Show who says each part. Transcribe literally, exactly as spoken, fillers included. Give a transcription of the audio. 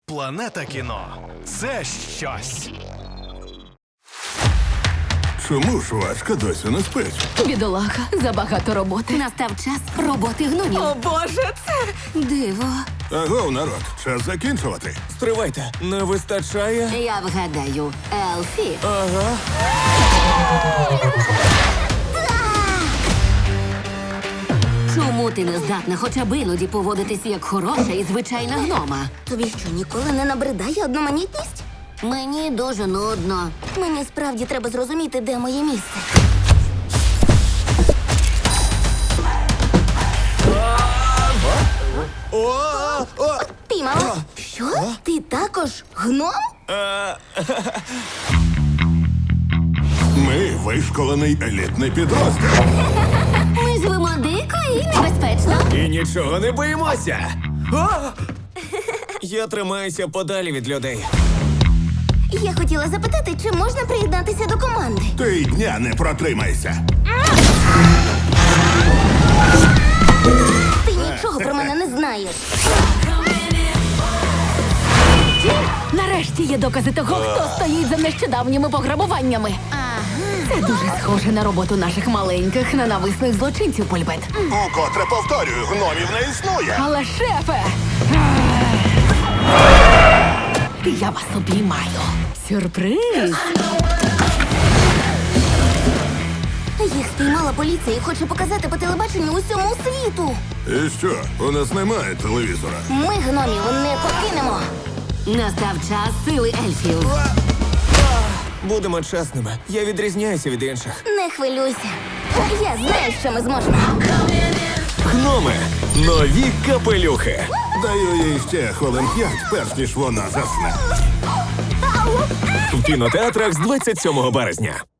Speaker 1: Планета кіно – це щось.
Speaker 2: Чому ж Вашка досі не спить?
Speaker 3: Бідолаха, забагато роботи.
Speaker 4: Настав час роботи гномів.
Speaker 3: О, Боже, це...
Speaker 4: Диво.
Speaker 2: Агов, народ, час закінчувати.
Speaker 5: Стривайте, не вистачає?
Speaker 4: Я вгадаю, Елфі.
Speaker 5: Ага.
Speaker 4: Чому ти не здатна хоча б іноді поводитися як хороша і звичайна гнома? Тобі що, ніколи не набридає одноманітність? Мені дуже нудно. Мені справді треба зрозуміти, де моє місце.
Speaker 5: О, о,
Speaker 4: Піймала? Що? Ти також гном?
Speaker 2: Ми вишколений елітний підрозділ.
Speaker 4: Ми живемо дико і небезпечно.
Speaker 5: І нічого не боїмося. О! Я тримаюся подалі від людей.
Speaker 4: Я хотіла запитати, чи можна приєднатися до команди.
Speaker 2: Ти й дня не протримайся.
Speaker 4: Ти нічого про мене не знаєш.
Speaker 3: Нарешті є докази того, хто стоїть за нещодавніми пограбуваннями. Це дуже схоже на роботу наших маленьких ненависних злочинців, Польбет.
Speaker 2: Укотре повторюю, гномів не існує.
Speaker 3: Але, шефе! Я вас обіймаю. Сюрприз!
Speaker 4: Їх спіймала поліція і хоче показати по телебаченню усьому світу.
Speaker 2: І що, у нас немає телевізора?
Speaker 4: Ми гномів не покинемо. Настав час сили ельфів.
Speaker 5: Будемо чесними. Я відрізняюся від інших.
Speaker 4: Не хвилюйся. Я знаю, що ми зможемо.
Speaker 5: Гноми. Нові капелюхи.
Speaker 2: Даю їй ще хвилин п'ять, перш ніж вона засне.
Speaker 5: В кінотеатрах з двадцять сьомого березня.